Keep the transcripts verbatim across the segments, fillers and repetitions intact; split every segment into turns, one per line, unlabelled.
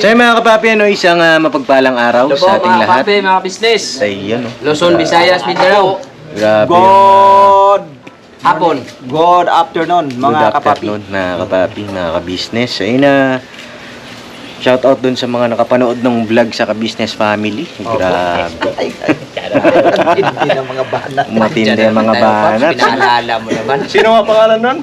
So yun mga kapapi, ano, isang uh, mapagpalang araw
Hello
sa
po,
ating
mga
lahat.
kape, mga business.
Sa iyan, oh.
Luzon, Visayas, Mindanao.
Grabe yung,
Good
Hapon.
Good afternoon
good
mga kapapi.
afternoon, mga kapapi, mga kabisnes. Ayun na, shout out dun sa mga nakapanood ng vlog sa kabisnes family. Grabe.
Ay, ay, hindi ng mga banat.
Matindi ang mga banat.
Pinaalala mo naman.
Sino ang pangalan nun?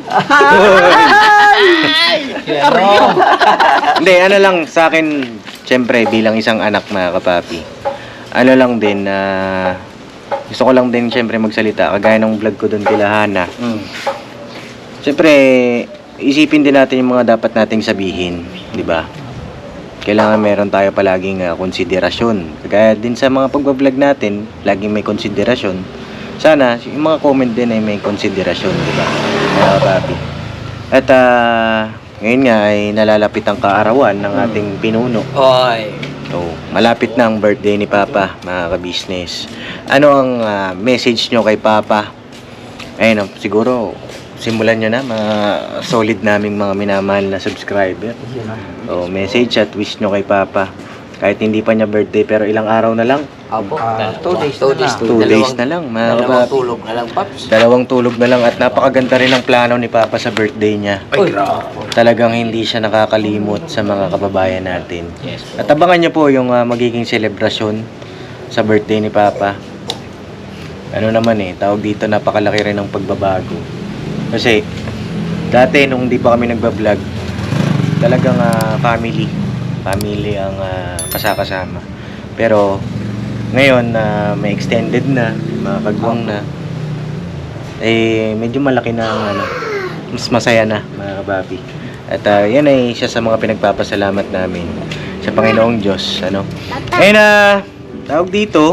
Hindi, ano lang sa akin, syempre bilang isang anak mga kapapi. Ano lang din na gusto ko lang din syempre magsalita kagaya ng vlog ko doon kila Hana.
Mm.
Syempre isipin din natin yung mga dapat nating sabihin, di ba? Kailangan meron tayo palaging uh, konsiderasyon. Kagaya din sa mga pagbablog natin, laging may konsiderasyon. Sana yung mga comment din ay may konsiderasyon, di ba? Mga kapapi. At uh, ngayon nga ay nalalapit ang kaarawan ng ating pinuno.
Oy.
So, malapit na ang birthday ni Papa, mga ka-business. Ano ang uh, message nyo kay Papa? Ayun, oh, siguro simulan nyo na, mga solid naming mga minamahal na subscriber. So, message at wish nyo kay Papa. Kahit hindi pa niya birthday, pero ilang araw na lang.
Opo.
Ah, two days
Two
na
days.
lang.
Two days na lang, mga
Dalawang
kapapi.
tulog na lang, Paps.
Dalawang tulog na lang at napakaganda rin ang plano ni Papa sa birthday niya.
Uy.
Talagang hindi siya nakakalimot sa mga kababayan natin.
Yes po.
At abangan niyo po yung uh, magiging selebrasyon sa birthday ni Papa. Ano naman eh, tawag dito napakalaki rin ng pagbabago. Kasi dati nung hindi pa kami nagba-vlog, talagang uh, family, family ang uh, kasakasama. Pero ngayon na uh, may extended na, mga kagwang na, eh medyo malaki na ang ano, mas masaya na mga kababi. At uh, yan ay isa sa mga pinagpapasalamat namin sa Panginoong Diyos, ano. Ayun na, uh, tawag dito,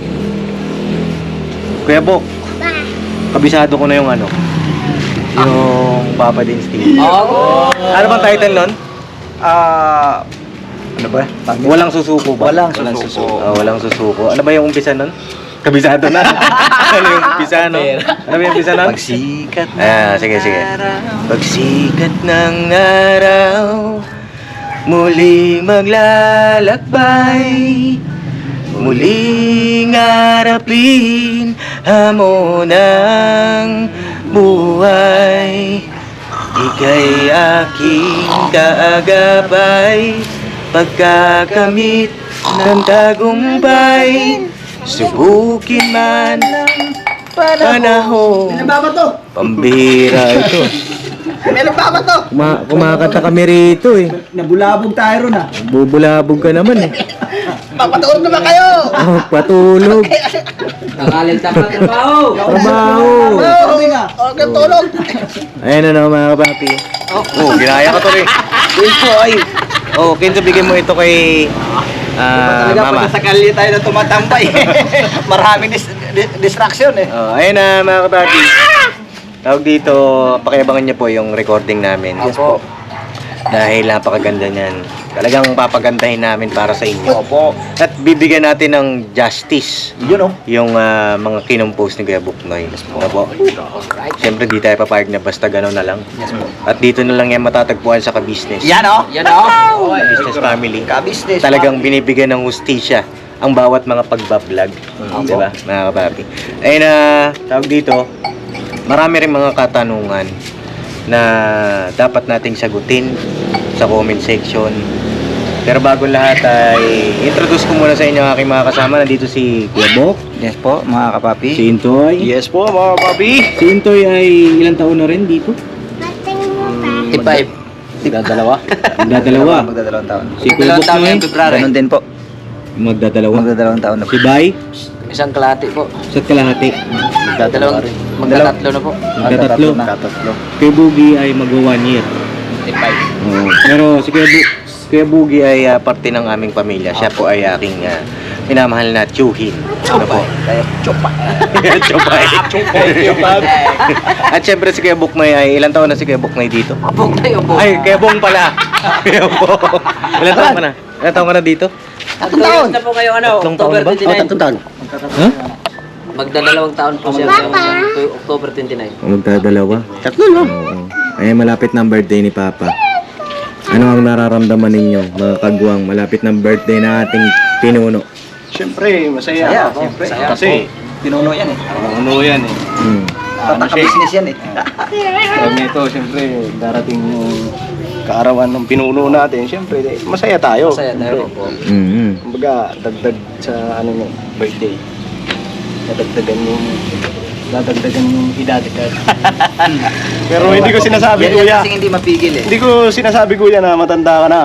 Kuya Bok, kabisado ko na yung ano, yung Papa Dins T V.
Oh.
Ano bang title nun?
Ah,
Ano ba? Walang susuko ba?
Walang susuko.
Ah, walang susuko. Ano ba yung umpisa nun? Kabisado na. Ano yung umpisa, no? Ano ba yung umpisa nun?
pagsikat na
Ah, sige, sige. Pagsikat ng araw, muli maglalakbay, muling harapin hamon ng buhay. Ika'y aking kaagapay, pagkakamit ng tagumpay, subukin man ng panahon.
Meron ba ba to?
Pambira ito.
Meron ba ba to?
Kuma kumakanta kami rito eh.
Nabulabog tayo ron ah.
Bubulabog ka naman eh.
Papatuon naman kayo!
Oh, patulog.
Nakalit na pa trabaho.
Trabaho.
Sabi nga. Okay, tulog.
Ayan na no, mga kapapi. Oh, ginaya ka to rin. Kinso ay. Oh, Kinso, bigyan mo ito kay ah,
Talaga
Mama.
pag sa kalye tayo na tumatambay. Maraming dis dis distraction eh.
Oh, ayun na mga kapapi. Tawag dito, pakiabangan niyo po yung recording namin.
Yes po.
Dahil napakaganda niyan. Talagang papagandahin namin para sa inyo.
Opo.
At bibigyan natin ng justice
Yun oh.
yung ah, mga kinompose ni Kuya Buknoy. Ano po? Siyempre di tayo papayag na basta gano'n na lang.
Yes po.
At dito na lang yan matatagpuan sa ka-business.
Yan oh.
Yan o. Oy.
Business family.
Ka-business.
Talagang binibigyan ng hustisya ang bawat mga pagbablog. Di ba, mga kapapi? Ayun na, tawag dito, marami rin mga katanungan na dapat nating sagutin sa comment section. Pero bago lahat ay introduce ko muna sa inyo ang aking mga kasama. Nandito si Kuya Bok,
Yes po, mga kapapi.
si Intoy.
Yes po, mga kapapi.
Si Intoy ay ilang taon na rin dito?
T-five.
Magdadalawa.
Magdadalawa.
Magdadalawang taon.
Si Kuya
Dalawang
Bok
taon
na
ngayong February.
Ganun din po.
magdadalawa.
Magdadalawang taon na po.
Si Bay,
Isang kalahati po.
sa kalahati.
Dalawang, magtatatlo na po.
Magtatatlo.
Magtatatlo.
Kuya Bugi ay mag one year.
T-five.
Oo. Pero si Kuya, Bu Kuya Bugi ay ah, parte ng aming pamilya. Siya po ay aking ah, minamahal na tiyuhin. Ano po?
Kaya chupa.
Chopay. At syempre si Kuya Buknoy ay ilang taon na si Kuya Buknoy dito?
Apok tayo po.
Ay, Kuya Bong pala. Kuya Bong. Ilang taon ka na? Ilang taon ka na dito?
Tatlong taon na po kayo ano,
Tatlong taon
October
ba?
twenty-nine.
taon.
Ha?
Magdadalawang taon po siya sa October twenty-nine.
Magdadalawa.
Tatlo no?
Oo. Ay, malapit na ang birthday ni Papa. Ano ang nararamdaman ninyo, mga kagwang, malapit ng birthday na ating pinuno?
Siyempre, masaya.
Saya,
ako.
siyempre.
Kasi,
Pinuno yan eh.
ano yan eh.
Hmm.
Ano siya eh.
Tataka-business yan eh.
Pag nito, siyempre, darating yung kaarawan ng pinuno natin, siyempre, eh, masaya tayo.
Masaya tayo po.
Mm-hmm.
Kumbaga, dagdag sa ano yung birthday. Dadagdagan yung dadagdagan yung edad. Pero hindi ko sinasabi,
Yan
kuya.
yan kasi hindi mapigil eh.
Hindi ko sinasabi, kuya, na matanda ka na.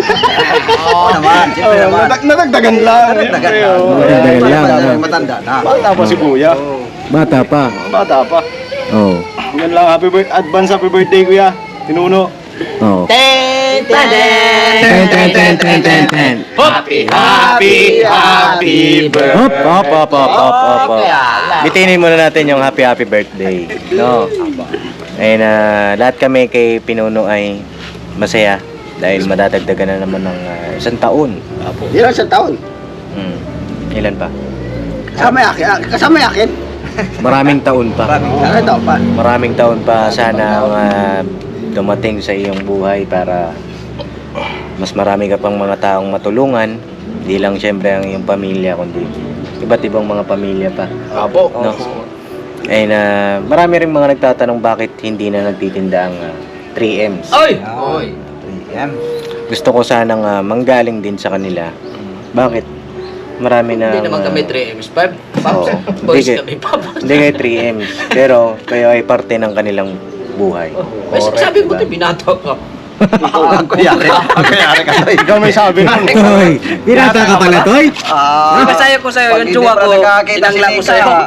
Oo naman, siyempre
Oh,
naman.
nadag- nadagdagan lang.
Nadagdagan
siyempre,
lang.
oh.
Nadagdagan lang,
Matanda-
ano?
Matanda na.
Bata pa si kuya.
Bata pa.
Bata pa.
Oh.
Yan lang, happy birthday, advance happy birthday, kuya. Pinuno.
Oh.
Ten, ten,
Ten, ten, ten, ten, ten, ten.
Happy, happy, happy
Hop, hop, hop, hop, hop, hop, hop. Bitinin muna natin yung happy, happy birthday. No? Ayun na, lahat kami kay Pinuno ay masaya dahil madadagdagan na naman ng ah, isang taon.
Ilan sa taon?
Hmm. Ilan pa?
Kasama yung akin. ah, Kasama yung akin.
Maraming taon pa.
Ilan taon pa?
Maraming taon pa sana ang ah, dumating sa iyong buhay para mas marami ka pang mga taong matulungan. Hindi lang syempre ang iyong pamilya, kundi iba't ibang mga pamilya pa.
Apo.
No? Ayun na, marami rin mga nagtatanong bakit hindi na nagtitinda ang ah, three M's.
Oy!
Oy. Yan.
Gusto ko sanang ah, manggaling din sa kanila. Bakit? Marami na...
Hindi naman kami three M's, five.
Oo.
Boys
Hindi
kami, papas.
Hindi kayo three M's. Pero kayo ay parte ng kanilang buhay.
Ay, sabi mo, binato ka.
Ang kuyari. Ang kuyari ka.
Ikaw may sabi nun.
Toy! Binata ka pala, Toy!
Ah,
Di ba sayo ko sa'yo,
pag
yung
hindi
tsuwa
pa
ko,
nakakita si
tinangla ko
Nika,
sa'yo.
ah,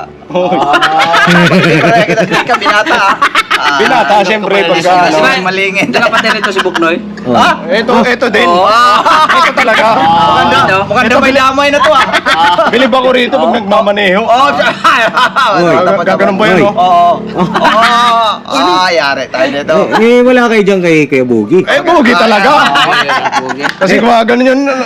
pag hindi pa nakakita si Nika, binata ah. Ah,
Binata, siyempre, pagka
Kasi
ano.
may malingin.
Ito kapatid nito si Buknoy.
Oh.
Ah, ito, ito din.
Oo.
Ito talaga.
Maganda, maganda may damay na to ah.
Bilib ako rito pag nagmamaneho.
Oo,
Gaganon ba yun,
Oy.
no?
Oo. Oo. Ah, yari tayo nito.
Eh, wala kayo dyan kay, kay Boogie.
Eh, bugi talaga. Kasi kung ganun yun, ano.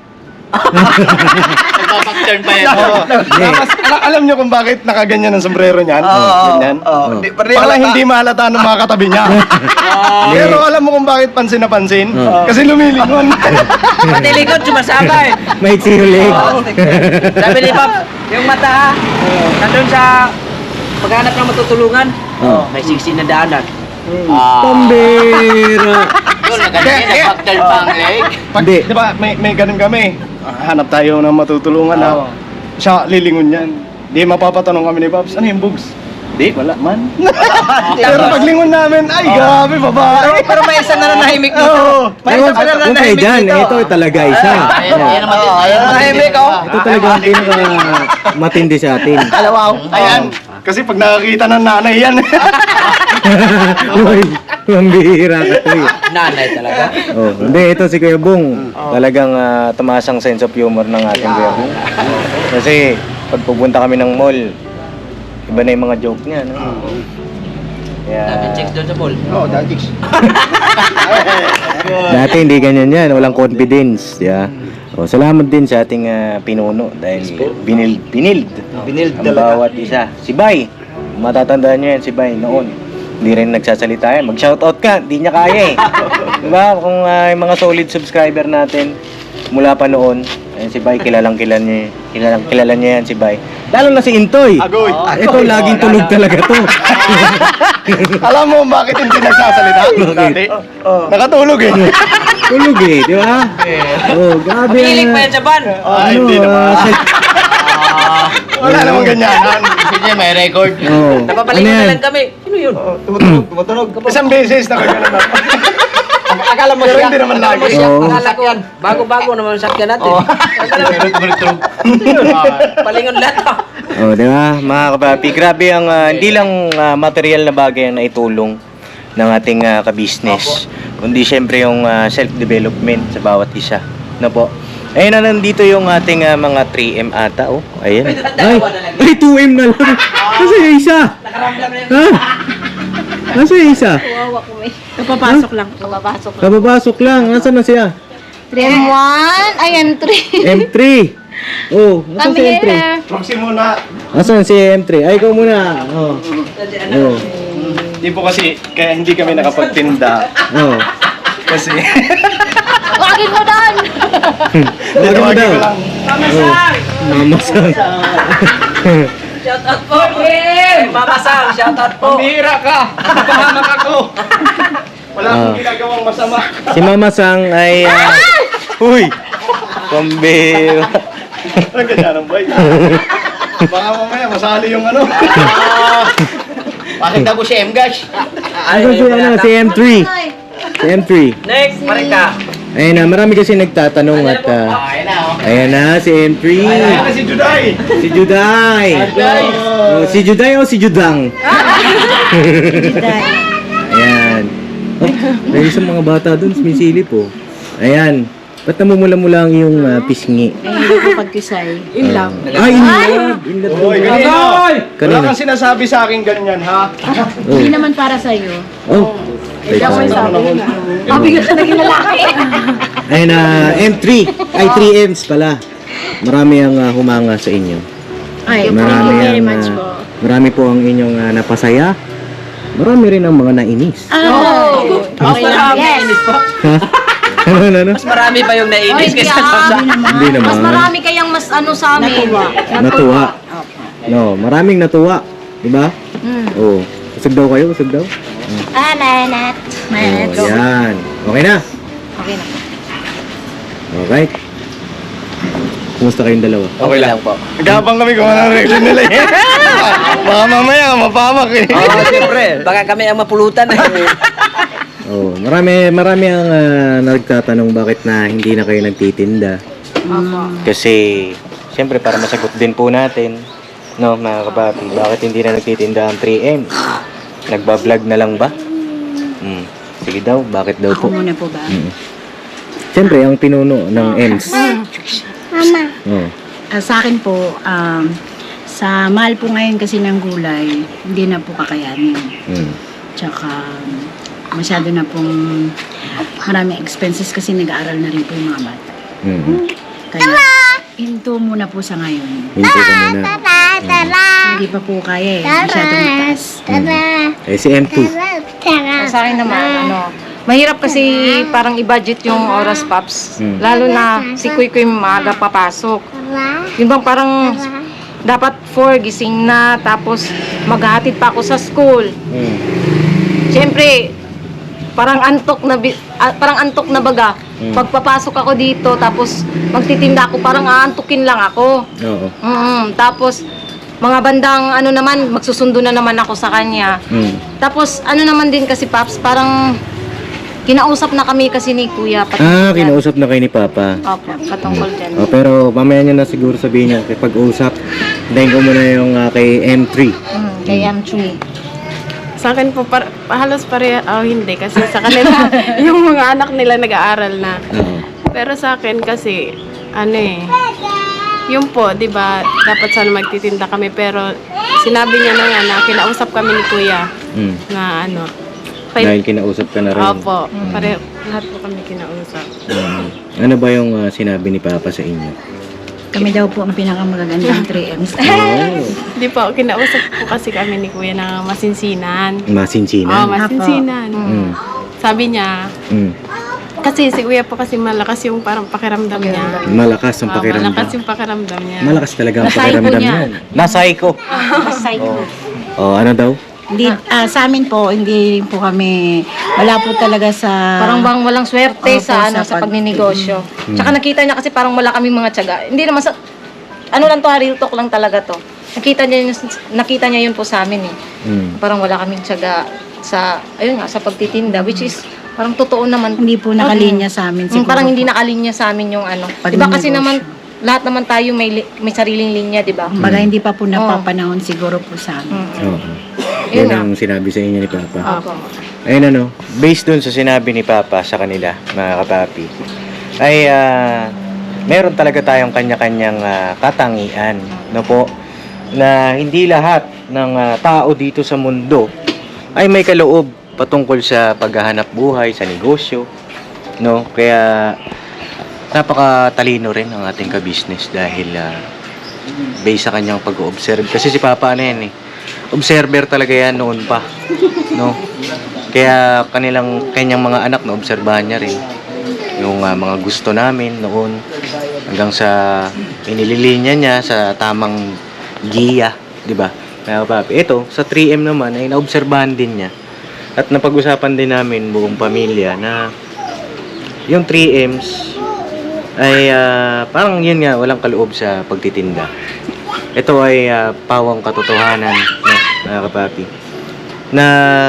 Nagpapag-turn pa yan.
Oo. Tapos, ala- alam nyo kung bakit nakaganyan ang sombrero niyan?
Oo.
Ganyan.
Oo. Hindi pa rin
Para
halata.
hindi mahalata ng mga katabi niya. Pero alam mo kung bakit pansin na pansin?
Oo.
Kasi lumilingon.
Pati likod, sumasabay.
May sinulig.
Sabi ni Pap, yung mata ha, nandun sa paghanap ng matutulungan,
Oh.
may siksi na daanan.
Pambira!
Yun,
Kaya- kaya-
nag-turn pa ang leg.
Pag,
Hindi.
di ba, may, may ganun kami. Hanap tayo ng matutulungan na siya lilingon yan. Di mapapatanong kami ni Pops, ano yung bugs? Di, wala man. Pero paglingon namin, ay grabe, babae.
Pero may isa na nanahimik dito.
Oo.
May isa pa na
Huwag kayo
nanahimik
dyan,
dito.
ito talaga isa.
Ayan, ayan naman din.
Oo, ayun ang nanahimik oh.
Ito talaga ang pinaka matindi sa atin.
Alawaw.
Ayan. Kasi pag nakakita ng nanay yan.
Uy, pambira ka, Toy.
Nanay talaga.
Oh, hindi, ito si Kuya Bong. Talagang uh, tumaas ang sense of humor ng ating Kuya Bong. Kasi pag pupunta kami ng mall, iba na yung mga joke niya, no? Kaya,
Dami chicks doon sa pool.
Oo, dahil chicks.
dati hindi ganyan yan, walang confidence. Yeah. Oh, salamat din sa ating ah, pinuno dahil binild, binild,
Binild
ang
talaga.
bawat isa. Si Bay, matatandaan niyo yan si Bay noon. Hindi rin nagsasalita yan. Mag-shoutout ka, hindi niya kaya eh. Diba? Kung ah, yung mga solid subscriber natin mula pa noon, ayun, si Bay, kilalang kilala niya, kilalang kilala niya yan si Bay. Lalo na si Intoy.
Agoy.
Ito, laging tulog talaga to.
Alam mo bakit hindi nagsasalita? Dati. Nakatulog eh.
Tulog eh, di ba? Oh, grabe.
Piling pa yan sa van.
Ah, hindi naman.
ah, sa-
Wala namang ganyanan.
Sige, may record.
Oh,
Napapalingon
ano
na
yan?
lang kami. Ano yun?
Tumutunog, tumutunog.
Isang beses nakaganan ako.
Akala mo
Pero
siya.
hindi naman
Akala mo
lagi.
siya.
Oo.
Akala ko yan. Bago-bago naman ang sakyan natin. Akala mo, palingon lahat. ah.
Oh, di ba? Mga kapapi, grabe ang ah, hindi lang ah, material na bagay ang naitulong ng ating ah, ka-business, kundi syempre yung ah, self-development sa bawat isa. No po? Ayun na, nandito yung ating ah, mga three M ata, oh. Ayun. Ay, ay, two M na lang. Kasi yung isa.
Nakaramdam na yun.
Ha? Nasa yung isa?
Kawawa ko may. Kapapasok lang. Kapapasok lang.
Kababasok lang. Nasaan na siya?
M one, ay M three.
M three. Oh, nasaan
Come
si M three?
here.
Proxy muna.
Nasaan si M three? Ay, ikaw muna. Oh. Oh.
Hindi po kasi, kaya hindi kami nakapagtinda.
Oh.
Kasi,
Wagin mo doon!
Lagi mo daw.
ko lang.
Mama Sang.
Shout out po, Kim! Mama Sang, shout out po.
Pambihira ka! Napahamak ako! Wala akong
Ah.
ginagawang masama.
Si Mama Sang ay... ah, Uy! Pambira.
Ang ganda ng boy. Baka mamaya masali yung ano.
Bakit daw si M-Gash?
Ano si, ano, si M three. Si M three.
Next, Marika.
Ayun na, marami kasi nagtatanong at... ah,
Ayun na, oh.
ayan na, si M three.
Ayan na si Juday.
Si Juday. Oh, si Juday o si Judang? Ayan. Oh, may isang mga bata dun, sumisilip po. Ayan. Ba't namumula-mula ang iyong ah, pisngi?
Hindi ko pagkisay.
In love. Ah, in love. In love.
Oy, kanina. Wala
Kanina.
kang sinasabi sa akin ganyan, ha?
Oh.
Hindi naman para sa'yo.
Oh.
Ikaw ay sabi. Mabigat na naging lalaki.
Ayun na, M three. Ay, three M's pala. Marami ang ah, humanga sa inyo.
Ay, thank
Marami
you very
ang,
much
ah,
po.
marami po ang inyong ah, napasaya. Marami rin ang mga nainis.
Oh!
Mas marami
Yes.
inis po.
Ha? Ano, ano, ano?
Mas marami pa yung nainis
Ay,
kaysa
grabe
sa...
naman.
Hindi naman.
Mas marami kayang mas ano sa amin. Natuwa.
Natuwa. No, maraming natuwa. Diba?
Mm.
Oo. Usog daw kayo, usog daw.
Ah, manat. Manat.
Oh, yan. Okay na.
Okay na.
Okay. Kumusta kayong dalawa?
Okay lang po.
Nagkabang kami kung anong reaction nila eh. Baka mamaya, mapamak eh.
Oo, siyempre. Baka kami ang mapulutan.
Oh, marami marami ang ah, nagtatanong bakit na hindi na kayo nagtitinda. Kasi siyempre para masagot din po natin, no, mga kapapi, bakit hindi na nagtitinda ang three M? Nagba-vlog na lang ba? Hmm. Sige daw, bakit daw po?
Ako muna po ba?
Mm. Siyempre, ang pinuno ng Ems.
Mama.
Oh.
Ah, sa akin po, um, sa mahal po ngayon kasi ng gulay, hindi na po kakayanin.
Mm.
Tsaka, masyado na pong maraming expenses kasi nag-aaral na rin po yung mga bata.
Mm.
Kaya, hinto muna po sa ngayon.
Hindi ka muna.
Hindi pa po kaya eh. Masyadong mataas.
Eh, si M two.
Sa akin naman, ano, mahirap kasi parang i-budget yung oras, Paps.
Mm.
Lalo na si Kuy Kuy maaga papasok. Yun bang parang dapat four gising na, tapos maghahatid pa ako sa school.
Mm.
Siyempre, parang antok na, bi- ah, parang antok na baga.
Mm.
Pagpapasok ako dito, tapos magtitinda ako, parang aantukin lang ako.
Oo.
Mm, tapos, mga bandang ano naman, magsusundo na naman ako sa kanya.
Mm.
Tapos, ano naman din kasi, Paps, parang kinausap na kami kasi ni Kuya. patungkol
Ah,
dyan.
kinausap na kayo ni Papa.
Opo, patungkol dyan.
Oh, pero mamaya nyo na siguro sabihin nyo, kay pag-usap, hintayin ko muna yung ah, kay M three.
Mm, kay M three.
Sa akin po, par- halos pare, oh, hindi. Kasi sa kanila, yung mga anak nila nag-aaral na.
Oo.
Pero sa akin kasi, ano eh, yun po, di ba, dapat sana magtitinda kami. Pero sinabi niya na nga na kinausap kami ni Kuya
Mm.
na ano,
Dahil kinausap ka na rin.
Opo, pare, lahat po kami kinausap.
Mm. Ano ba yung ah, sinabi ni Papa sa inyo?
Kami daw po ang pinakamagagandang three M's.
Oh,
Di po, kinausap po kasi kami ni Kuya na masinsinan. Oh,
masinsinan.
masinsinan.
Mm.
Sabi niya,
Mm.
kasi si Kuya po kasi malakas yung parang pakiramdam niya.
Malakas ang
Ah,
pakiramdam.
malakas yung pakiramdam niya.
Malakas talaga ang
Nasay ko
pakiramdam
niya.
niyan. Nasay ko.
Masay ko.
Oh, ano daw?
Hindi, ah, sa amin po, hindi po kami, wala po talaga sa...
Parang bang walang swerte
Opo,
sa ano
sa
sa
pag-
pagninegosyo.
Mm.
Tsaka nakita niya kasi parang wala kaming mga tiyaga. Hindi naman sa ano lang to, ha, real talk lang talaga to. Nakita niya yun, nakita niya yun po sa amin eh.
Mm.
Parang wala kaming tiyaga sa ayun nga sa pagtitinda, which is parang totoo naman.
Hindi po nakalinya sa amin
Mm,
siguro.
parang hindi nakalinya sa amin yung ano.
Pag
'Di ba kasi
negosyo.
naman lahat naman tayo may li- may sariling linya, 'di ba?
Kumbaga, hindi pa po napapanahon siguro po sa amin.
Mm.
Oo.
Yun
Yan
nga.
ang sinabi sa inyo ni Papa.
Opo.
Ayun ano, based dun sa sinabi ni Papa sa kanila, mga kapapi, ay ah, meron talaga tayong kanya-kanyang ah, katangian, no po, na hindi lahat ng ah, tao dito sa mundo ay may kaloob patungkol sa paghahanap buhay, sa negosyo, no? Kaya napakatalino rin ang ating ka-business dahil ah, based sa kanyang pag-observe. Kasi si Papa ano yan eh, observer talaga yan noon pa, no? Kaya kanilang kanyang mga anak na obserbahan niya rin yung ah, mga gusto namin noon hanggang sa inililinya niya sa tamang giya, di ba? Mga kapapi, ito sa three M naman ay naobserbahan din niya at napag-usapan din namin buong pamilya na yung three M's ay ah, parang yun nga, walang kaloob sa pagtitinda. Ito ay ah, pawang katotohanan, no, mga kapapi. Na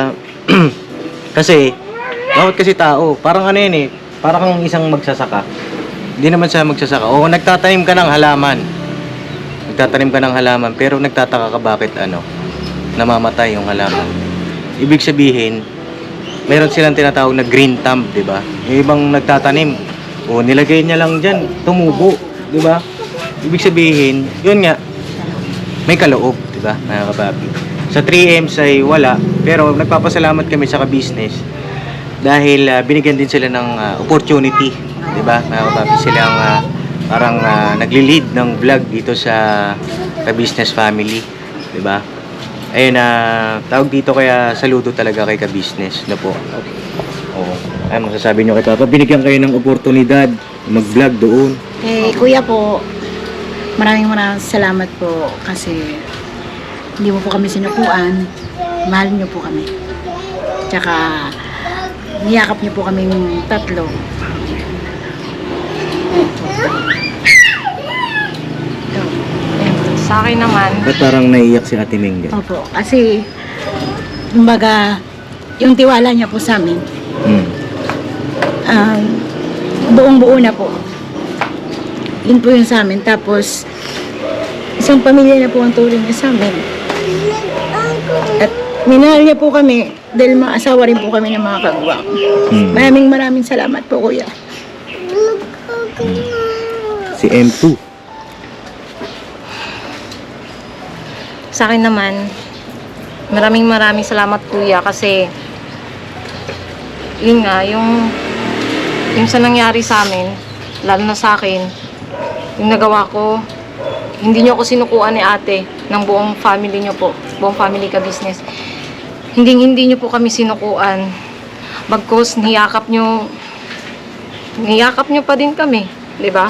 kasi bawat kasi tao, parang ano yun eh, parang kang isang magsasaka. Hindi naman siya magsasaka. O nagtatanim ka ng halaman. Nagtatanim ka ng halaman pero nagtataka ka bakit ano, namamatay yung halaman. Ibig sabihin, meron silang tinatawag na green thumb, 'di ba? Yung ibang nagtatanim, o nilagay niya lang diyan, tumubo, 'di ba? Ibig sabihin, yun nga, may kaloob, 'di ba? Mga kapapi. Sa three M's ay wala, pero nagpapasalamat kami sa ka-business dahil ah, binigyan din sila ng ah, opportunity, 'di ba? Mga kapapi, silang ah, parang ah, nagli-lead ng vlog dito sa ka-business family, 'di ba? Ayun na tawag dito, kaya saludo talaga kay ka-business na po. Oo. Ano masasabi niyo kay Papa? Binigyan kayo ng oportunidad mag-vlog doon.
Eh, kuya po, maraming maraming salamat po kasi hindi mo po kami sinukuan. Mahal niyo po kami. Tsaka, niyakap niyo po kaming tatlo. Ito.
Sa akin naman,
Ba't parang naiiyak si Ate Mingge?
Opo, kasi, kumbaga, yung tiwala niya po sa amin,
Hmm.
um, buong-buo na po. Yun po yung sa amin. Tapos, isang pamilya na po ang turing niya sa amin. At minahal niya po kami dahil mga asawa rin po kami ng mga kagwang.
Hmm.
Maraming maraming salamat po, kuya.
Si M two.
sa akin naman, maraming maraming salamat kuya kasi yun nga, yung yung sa nangyari sa amin, lalo na sa akin, yung nagawa ko, hindi nyo ako sinukuan ni ate ng buong family nyo po, buong family ka business. Hindi hindi nyo po kami sinukuan. Bagkus niyakap nyo, niyakap nyo pa din kami, di ba?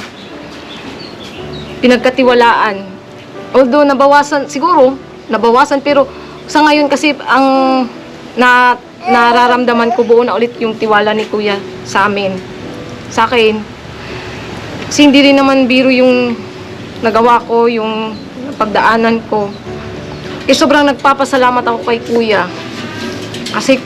Pinagkatiwalaan. Although nabawasan, siguro, nabawasan, pero sa ngayon kasi ang na, nararamdaman ko buo na ulit yung tiwala ni kuya sa amin. Sa akin. Kasi hindi rin naman biro yung nagawa ko, yung pagdaanan ko. Eh sobrang nagpapasalamat ako kay kuya. Kasi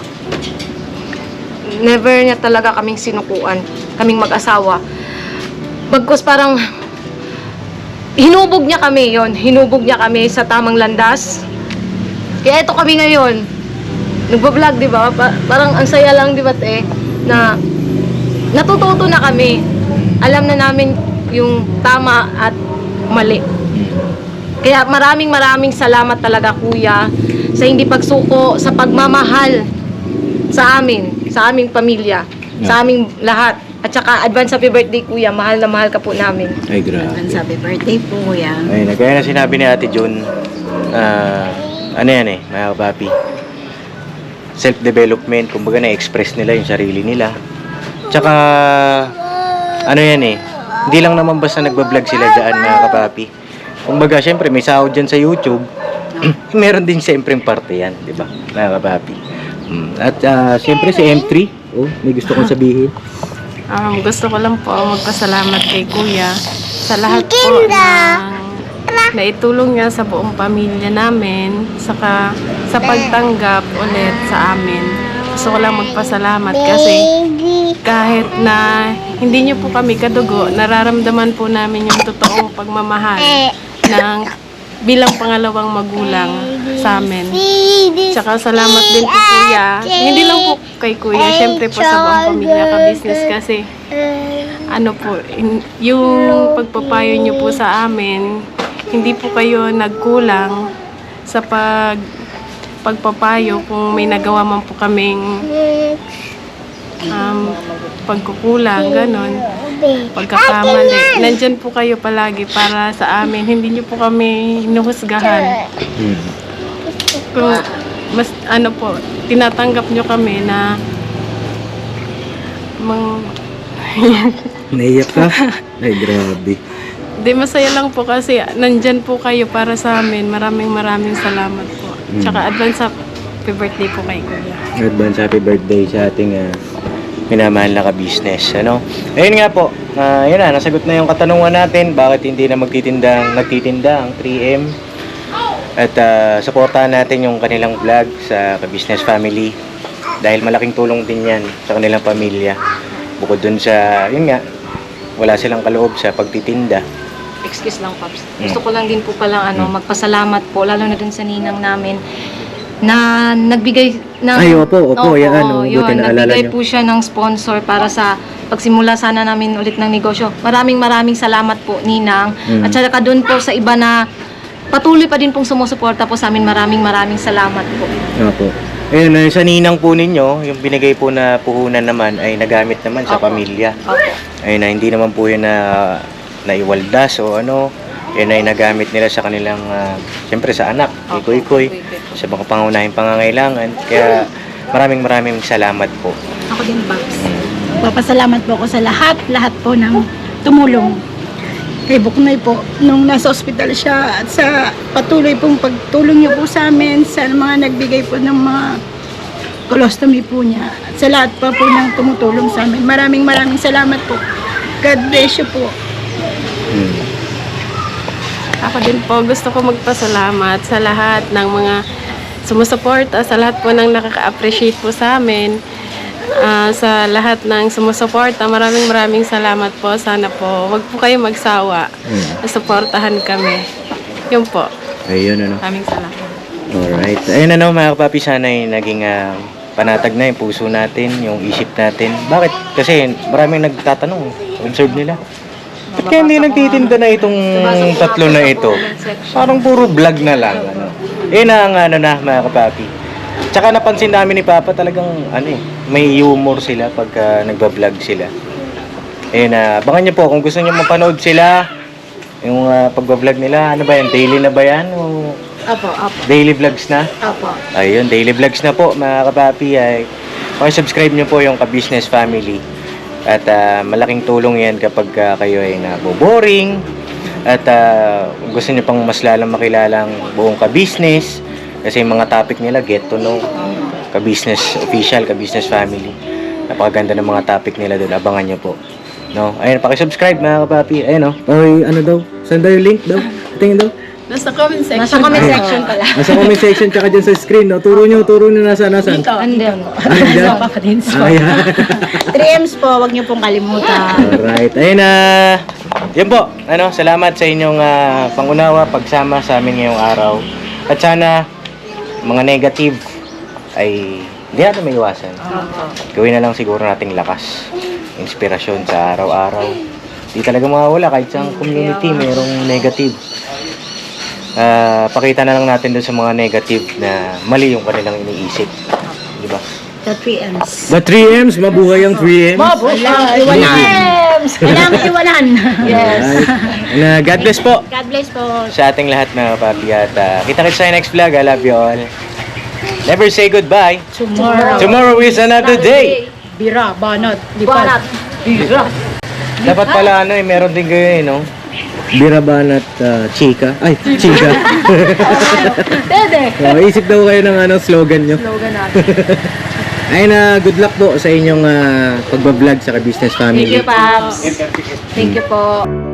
never niya talaga kaming sinukuan, kaming mag-asawa. Bagkus parang hinubog niya kami yon, hinubog niya kami sa tamang landas. Kaya ito kami ngayon, nagbablog, di ba? Pa- parang ang saya lang, di ba, te, na natututo na kami. Alam na namin yung tama at mali. Kaya maraming maraming salamat talaga, kuya, sa hindi pagsuko, sa pagmamahal sa amin, sa aming pamilya, sa aming lahat. At saka advance happy birthday, kuya. Mahal na mahal ka po namin.
Ay, grabe.
Ang sabi birthday po, kuya.
Ayun, kaya na sinabi ni Ate June, ah, ano yan eh, mga kapapi, self-development, kumbaga na-express nila yung sarili nila. Tsaka, ano yan eh, hindi lang naman basta nagbablog sila dyan, mga kapapi. Kumbaga, syempre, may sahod dyan sa YouTube, meron din syempre yung parte yan, di ba, mga kapapi. Mm. At ah, syempre si M three, oh, may gusto kong sabihin.
Um, gusto ko lang po magpasalamat kay Kuya sa lahat po ng naitulong niya sa buong pamilya namin, saka sa pagtanggap ulit sa amin. Gusto ko lang magpasalamat kasi kahit na hindi niyo po kami kadugo, nararamdaman po namin yung totoong pagmamahal ng bilang pangalawang magulang sa amin. Tsaka salamat din po kuya. Hindi lang po kay kuya, syempre po sa buong pamilya ka-business kasi ano po, in- yung pagpapayo niyo po sa amin, hindi po kayo nagkulang sa pag pagpapayo kung may nagawa man po kaming um, pagkukulang, ganon, pagkakamali. Nandyan po kayo palagi para sa amin. Hindi niyo po kami hinuhusgahan.
Hmm.
kung mas ano po, tinatanggap nyo kami na mang
Naiyak ka? Ay, grabe.
di masaya lang po kasi nandyan po kayo para sa amin. Maraming maraming salamat po.
Mm.
Tsaka advance happy birthday po kay Kuya.
Advance happy birthday sa ating uh, minamahal na ka-business. Ano? Ayun nga po, uh, yun na, nasagot na yung katanungan natin, bakit hindi na magtitindang, nagtitinda ang three M. At uh, supportahan natin yung kanilang vlog sa ka-business family. Dahil malaking tulong din yan sa kanilang pamilya. Bukod dun sa, yun nga, wala silang kaloob sa pagtitinda.
Excuse lang, Pops.
Mm.
Gusto ko lang din po palang ano,
Mm.
magpasalamat po, lalo na dun sa ninang namin na nagbigay ng...
Ay, opo, opo, yan, oh,
yun,
buti naalala
nagbigay
niyo.
po siya ng sponsor para sa pagsimula sana namin ulit ng negosyo. Maraming maraming salamat po, Ninang.
Mm.
At saka dun po sa iba na patuloy pa din pong sumusuporta po sa amin. Maraming maraming salamat po.
Opo. Ayun, uh, sa ninang po ninyo, yung binigay po na puhunan naman ay nagamit naman sa
Opo.
pamilya.
Opo.
Ayun na, hindi naman po yun na naiwaldas o ano. Yun ay nagamit nila sa kanilang, uh, siyempre sa anak,
Opo.
ikoy-koy,
Ikoy-koy po.
sa mga pangunahing pangangailangan. Kaya maraming maraming salamat po.
Ako din, Babs. Papasalamat po ako sa lahat, lahat po ng tumulong. Kay Buknoy po, nung nasa ospital siya at sa patuloy pong pagtulong niyo po sa amin, sa mga nagbigay po ng mga colostomy po niya, at sa lahat pa po ng tumutulong sa amin. Maraming maraming salamat po. God bless you po.
Hmm.
Ako din po, gusto ko magpasalamat sa lahat ng mga sumusuporta, sa lahat po ng nakaka-appreciate po sa amin, ah, sa lahat ng sumusuporta. Maraming maraming salamat po. Sana po, wag po kayo magsawa.
Hmm.
Suportahan kami. Yun po.
Ayun, ano.
Maraming salamat.
Alright. Ayun, ano, mga kapapi, sana ay naging ah, panatag na yung puso natin, yung isip natin. Bakit? Kasi maraming nagtatanong, observe nila. Ba't kaya hindi nagtitinda na itong tatlo na ito? Parang puro vlog na lang. Ano. Eh na ang ano na, mga kapapi. Tsaka napansin namin ni Papa talagang ano eh, may humor sila pagka nagba-vlog sila. Eh na, abangan niyo po kung gusto niyo mapanood sila, yung uh, pagba-vlog nila, ano ba yan, daily na ba yan? O
Apo, apo,
daily vlogs na?
apo.
Ayun, daily vlogs na po mga kapapi. Ay, subscribe nyo po yung ka-business family. At ah, malaking tulong yan kapag ah, kayo ay naboboring. At ah, kung gusto nyo pang mas lalang makilala ang buong ka-business. Kasi yung mga topic nila, get to know. Ka-business official, ka-business family. Napakaganda ng mga topic nila doon. Abangan nyo po. No? Ayun, pakisubscribe mga kapapi. Ayun, no? Ay, ano daw? Saan daw yung link daw? Tingin daw?
Nasa comment section.
Nasa comment section pala.
Nasa comment section tsaka dyan sa screen, no? Turo nyo, turo nyo nasa, nasa.
Andun.
Ayan. Ayan.
three M's po, wag niyo pong kalimutan.
Alright. Ayun na. Yan po. Ano, salamat sa inyong ah, pangunawa, pagsama sa amin ngayong araw. At sana, mga negative ay hindi natin may iwasan. Gawin na lang siguro nating lakas. Inspirasyon sa araw-araw. Di talaga mawawala kahit sa community mayroong negative. Ah, pakita na lang natin dun sa mga negative na mali yung kanilang iniisip. Di ba?
The three M's.
The three M's, mabuhay ang three M's.
Walang iwanan. Walang iwanan.
Yes. And, God bless po
God bless po.
sa ating lahat mga papi. At uh, kita-kits sa next vlog. I love you all. Never say goodbye.
Tomorrow.
Tomorrow is another day.
Bira, banat,
Banat.
Dapat pala ano eh, meron din kayo eh, no? Biraban at uh, chika. Ay, chika.
Dede.
Oh, isip daw kayo ng ano, slogan nyo.
Slogan natin.
Ayun na, good luck po sa inyong uh, pagbablog sa ka-business family.
Thank you, Paps. Thank you po.